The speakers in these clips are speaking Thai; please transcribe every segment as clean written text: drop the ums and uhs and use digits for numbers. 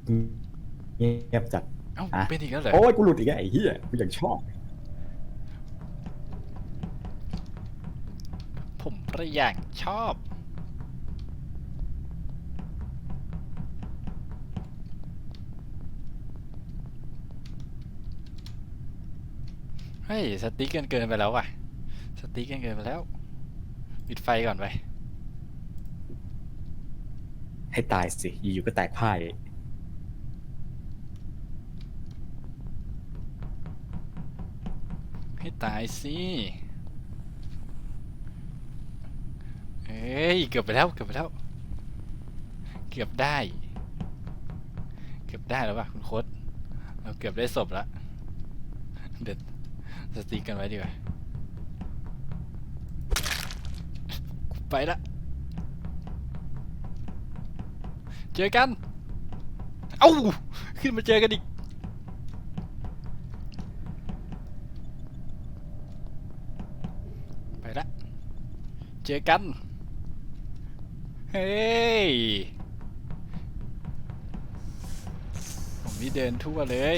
เงียบจัดเอ้าอ่ะเป็นอีกแล้วเหรอโอ้ยกูหลุดอีกแล้วไอ้เหี้ยกูยังชอบผมก็อย่างชอบเฮ้ยสติ๊กเกินไปแล้วว่ะสติ๊กเกินไปแล้วปิดไฟก่อนไปให้ตายสิอยู่ๆก็แตกพ่ายให้ตายสิเอ้ยเกือบไปแล้วเกือบไปแล้วเกือบได้แล้วป่ะคุณโค้ดเราเกือบได้ศพแล้วเด็ดสติ๊กกันไว้ดีกว่าไปละเจอกันเอ้าขึ้นมาเจอกันอีกไปละเจอกันเฮ้ยผมนี่เดินทั่วเลย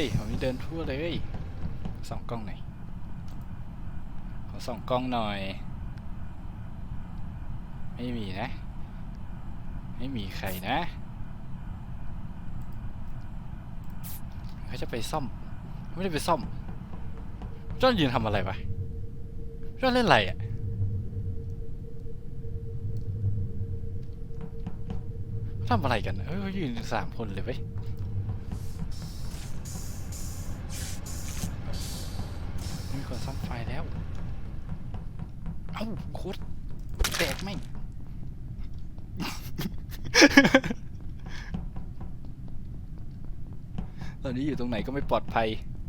ส่องกล้องหน่อยขอส่องกล้องหน่อยไม่มีนะไม่มีใครนะเขาจะไปซ่อมไม่ได้ไปซ่อมจ้อนยืนทำอะไรวะจ้อนเล่นอะไรอ่ะทำอะไรกันยืน3 คนเลยเว้ยมีคนซ่อมไฟแล้วเอ้าโคตรแตกแม่ง ตอนนี้อยู่ตรงไหนก็ไม่ปลอดภัย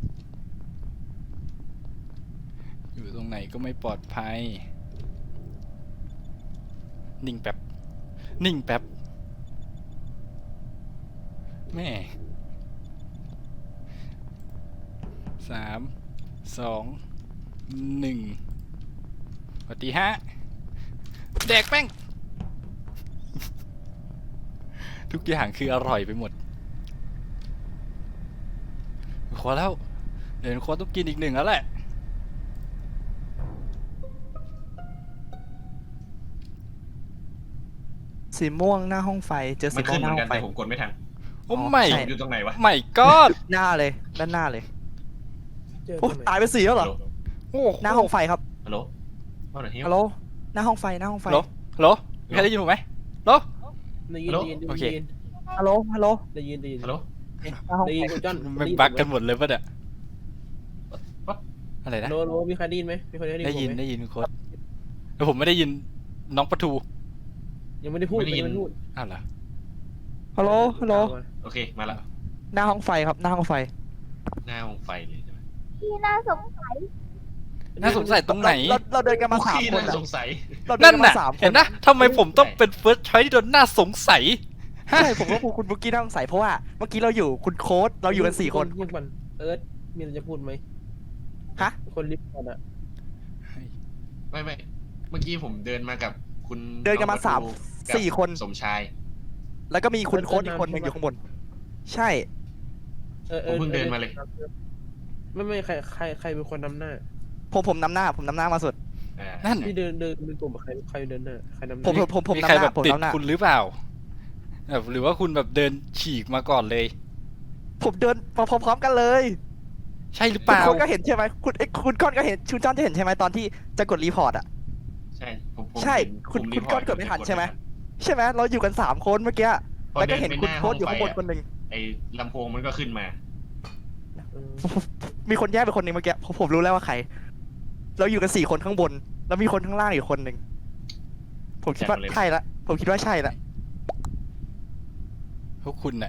นิ่งแป๊บแม่3 2 1สวัสดีฮะแดกแป้ง ทุกอย่างคืออร่อยไปหมดขอแล้วเดี๋ยวขอต้องกินอีก1แล้วแหละสีม่วงหน้าห้องไฟเจอสีมันม่วขึ้งนหเหมืน้าอนห้อน งไฟกัแต่ผมกดไม่ทันโอ้อ๋อไม่ใช่อยู่ตรงไหนวะไม่ก็หน้าเลยด้านหน้าเลยเจอโอ้ตรงไหนตายไป4แล้วเหรอโอ้หน้าห้องไฟครับฮัลโหลว่าไหนเฮียฮัลโหลหน้าห้องไฟฮัลโหลมีใครได้ยินผมไหมฮัลโหลได้ยินฮัลโหลได้ยินโอเคฮัลโหลฮัลโหลได้ยินได้ยินฮัลโหลหน้าห้องได้ไฟยินคุณจ้อนมันบักกันหมดเลยป่ะเนี่ย What? อะไรนะโลโลมีใครได้ยินไหมมีคนได้ได้ยิยินนผมไหมได้ยินโค้ดแต่ผมไม่ได้ยินน้องปะทูยังไม่ได้พูดไม่ได้ยินยังไม่ได้พูดอ้าวเหรอฮัลโหลฮัลโหลโอเคมาละหน้าห้องไฟครับหน้าห้องไฟหน้าห้องไฟเลยใช่ไหมที่น่าสงสัยน่าสงสัยตรงไหนเราเดินกันมา3 ขี้คนน่าอะสงสัยเราเดินั่นนกันมาน่ะ 3 คเห็นนนะทำไมผมต้องเป็นเฟิร์สชอยที่โดนน่าสงสัยใช่ผมก็คุณบุกกี้น่าสงสัยเพราะว่าเมื่อกี้เราอยู่คุณโค้ดเราอยู่กัน4 คนพูดมันเอิร์ธมีอะไรจะพูดไหมฮะคนลิฟต์ก่อนอะไม่เมื่อกี้ผมเดินมากับคุณเดินกันมาองประตูกับ 4 คนสมชายแล้วก็มีคุณโค้ดอีกคนหนึงอยู่ข้างบน ใช่ผมเพิ่งเดินมาเลยไม่ใครเป็นคนนำหน้าผมนำหน้ามาสุดนั่นที่เดินเป็นกลุ่มกับใครเดินหน้าใครนำหผมน้ามีนำใครหน้าแบบผมติดนำหน้าคุณหรือเปล่าแบบหรือว่าคุณแบบเดินฉีกมาก่อนเลยผมเดินมาพร้อมๆกันเลยใช่หรือเปคุณล่าโค้ดก็เห็นใช่ไหมคุณก้อนก็เห็นคุณจ้อนจะเห็นใช่ไหมตอนที่จะกดรีพอร์ตอ่ะใช่ผมใช่เห็นคุณผมคุณรีพอร์ตก้อนกดไม่ทันใช่ไหม ใช่ไหมเราอยู่กัน3 คนเมื่อกี้พอแล้วก็ดิเห็นไปคุณหาโค้ดอยู่ข้างบนห้คนหนึ่งไอ้ลำโพงมันก็ขึ้นมาเออมีคนแยกไปคนหนึ่งเมื่อกี้ผมรู้แล้วว่าใคร เราอยู่กัน4 คนข้างบน แล้วมีคนข้างล่างอีกคนหนึ่งผมคิดว่าใช่ละผมคิดว่าใช่ละพวกคุณน่ะ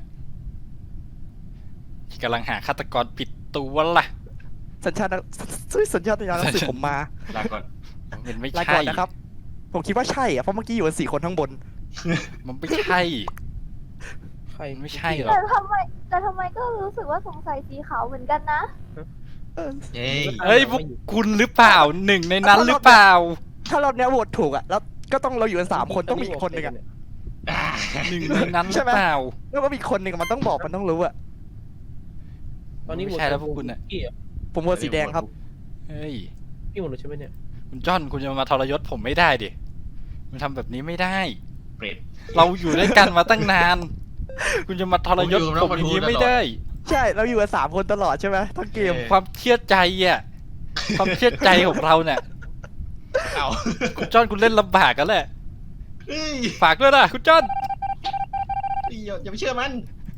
กำลังหาฆาตกรผิดตัวล่ะสัญชาตญาณสื่อผมมาลาก่อนมันไม่ลาใช่ก่อนนะครับ ผมคิดว่าใช่อะเพราะเมื่อกี้อยู่กัน4 คนข้างบนมันไม่ใช่ใครไม่ใช่หรอแต่ทำไมก็รู้สึกว่าสงสัยสีขาวเหมือนกันนะเออเย้ยเอ้ยพวกคุณหรือเปล่าหนึ่งในนั้นหรือเปล่าถ้าเราเนี้ยโหวตถูกอะแล้วก็ต้องเราอยู่กัน3 คนต้องมีอีกคนหนึ่งอะอ่าหนึ่งในนั้นหใช่รือไหมเปล่าแล้วก็มีคนหนึ่งมันต้องบอกมันต้องรู้อะตอนนี้ไม่ใช่แล้วพวกคุณน่ะพี่อะผมโหวตสีแดงครับเฮ้ยพี่หมดเลยใช่ไหมเนี่ยคุณจ้อนคุณจะมาทรยศผมไม่ได้ดิคุณทำแบบนี้ไม่ได้เปรตเราอยู่ด้วยกันมาตั้งนาน คุณจะมาทรยศผมอยู่ผมอย่างนี้ตลอดไม่ได้ใช่เราอยู่กัน3 คนตลอดใช่ไหมทั้งเกมความเชื่อใจอ่ะ ความเชื่อใจของเราเนี่ยเอาคุณจ้อนคุณเล่นลำบากกันแหละเฮ้ยฝากด้วยนะคุณจ้อนอย่าไปเชื่อมัน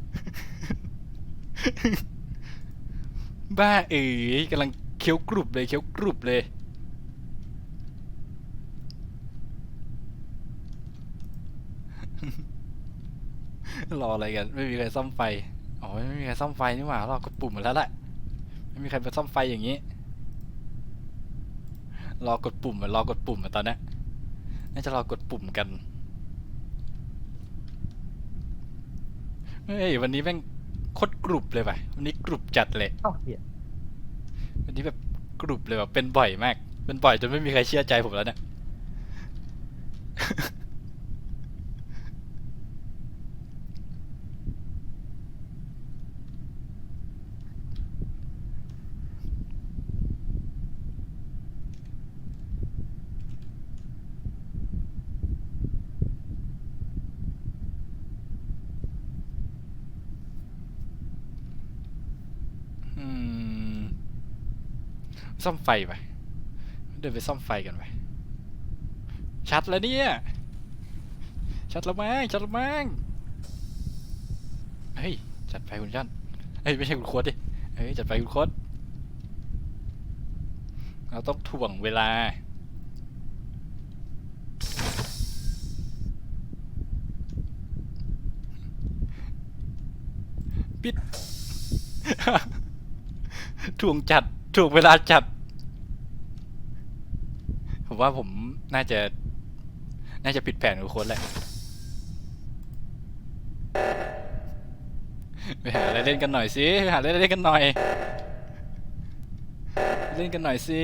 บ้าเอ๋ยกำลังเคี้ยวกรุบเลยเคี้ยวกรุบเลย รออะไรกัน ไม่มีใครซ่อมไฟ อ๋อไม่มีใครซ่อมไฟนี่หว่ารอกดปุ่มหมดแล้วแหละไม่มีใครไปซ่อมไฟอย่างนี้ รอกดปุ่มรอกดปุ่มตอนเนี้ยน่าจะรอกดปุ่มกัน เฮ้ยวันนี้แม่งโคตรกรุบเลยว่ะวันนี้กรุบจัดเลยเอ้าเหี้ยวันนี้แบบกรุบเลยแบบเป็นบ่อยมาก เป็นบ่อยจนไม่มีใครเชื่อใจผมแล้วเนี่ย อืมซ่อมไฟไปเดินไปซ่อมไฟกันไปชัดแล้วเนี่ยชัดแล้วมั้งชัดแล้วมั้งเฮ้ยจัดไฟคุณจันเฮ้ยไม่ใช่คุณโค้ดดิเฮ้ยจัดไฟคุณโค้ดเราต้องถ่วงเวลาปิด ถ่วงจัดถ่วงเวลาจัด ผมว่าผมน่าจะผิดแผนกับโค้ดแหละไปหาอะไรเล่นกันหน่อยสิไปหาอะไรเล่นกันหน่อยเล่นกันหน่อยสิ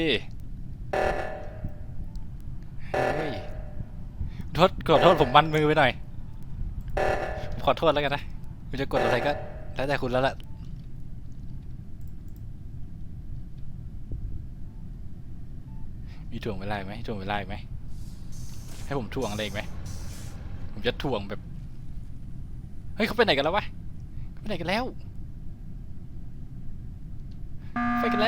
เฮ้ยขอโทษผมมันมือไปหน่อยผมขอโทษแล้วกันนะคุณจะกดอะไรก็แล้วแต่คุณแล้วล่ะมีถ่วงเวลาอีกไหมถ่วงเวลาอีกไหมให้ผมถ่วงอะไรอีกไหมผมจะถ่วงแบบเฮ้ยเขาไปไหนกันแล้ววะเขาไปไหนกันแล้วไปกันแล้ว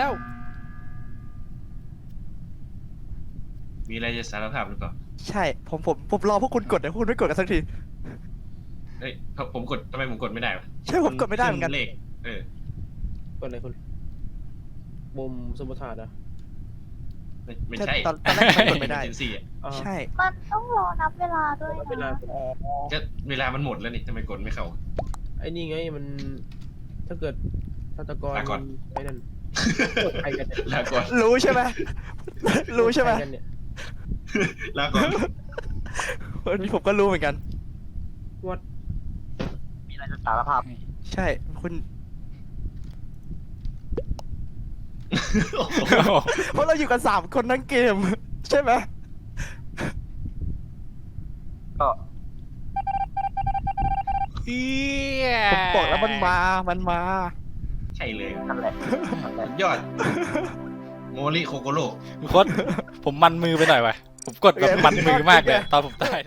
มีอะไรจะสารภาพหรือเปล่าใช่ผมรอพวกคุณกดแต่พวกคุณไม่กดกันสักทีเฮ้ยผมกดทำไมผมกดไม่ได้วะใช่ผมกดไม่ได้เหมือนกันขึ้เลขเออกดอะไรคุณมุมสมรรถนะไม่ใช่ตอนแรกมันกดไม่ได้เจนซี่อ่ะอ่าใช่มันต้องรอนับเวลาด้วยเวลานะก็เวลามันหมดแล้วนี่ทำไมกดไม่เข้าไอ้นี่ไงมัน ถ้าเกิดฆาตกรลาก่อนไอ้นั่นกดใครกันเนี่ยลาก่อนรู้ใช่ไหม รู้ใช่ไหมกดครกันเนี่ยลาก่อนวันนี้ผมก็รู้เหมือนกันวัดมีอะไรจะสารภาพ ใช่คุณโอ้โหเพราะเราอยู่กัน3 คนทั้งเกม ใช่ไหมเอี้ยผมบอกแล้วมันมาใช่เลยนั่นแหละสุดยอดโมริโคโกโร่โค้ดผมมันมือไปหน่อยวะผมกดแบบมันมือมากเลยตอนผมตาย